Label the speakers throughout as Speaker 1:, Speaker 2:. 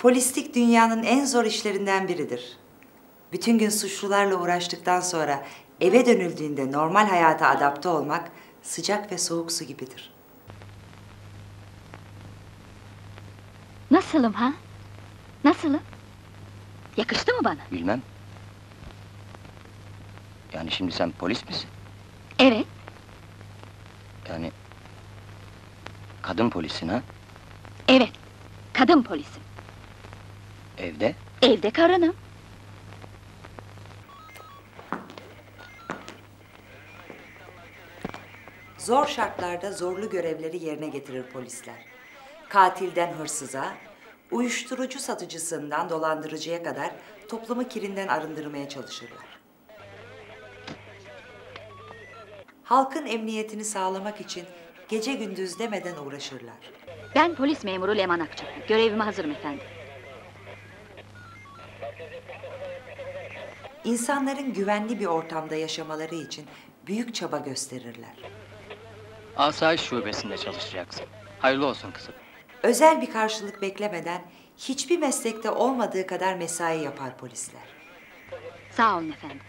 Speaker 1: Polislik dünyanın en zor işlerinden biridir. Bütün gün suçlularla uğraştıktan sonra eve dönüldüğünde normal hayata adapte olmak sıcak ve soğuk su gibidir.
Speaker 2: Nasılım ha? Nasılım? Yakıştı mı bana?
Speaker 3: Bilmem. Yani şimdi sen polis misin?
Speaker 2: Evet.
Speaker 3: Yani... kadın polisin ha?
Speaker 2: Evet. Kadın polisim.
Speaker 3: Evde?
Speaker 2: Evde karınım.
Speaker 1: Zor şartlarda zorlu görevleri yerine getirir polisler. Katilden hırsıza, uyuşturucu satıcısından dolandırıcıya kadar toplumu kirinden arındırmaya çalışırlar. Halkın emniyetini sağlamak için gece gündüz demeden uğraşırlar.
Speaker 2: Ben polis memuru Leman Akçaklı. Görevime hazırım efendim.
Speaker 1: İnsanların güvenli bir ortamda yaşamaları için büyük çaba gösterirler.
Speaker 4: Asayiş şubesinde çalışacaksın. Hayırlı olsun kızım.
Speaker 1: Özel bir karşılık beklemeden hiçbir meslekte olmadığı kadar mesai yapar polisler.
Speaker 2: Sağ olun efendim.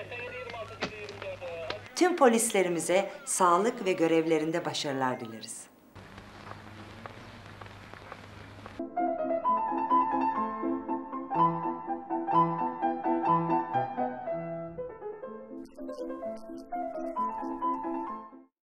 Speaker 1: Tüm polislerimize sağlık ve görevlerinde başarılar dileriz.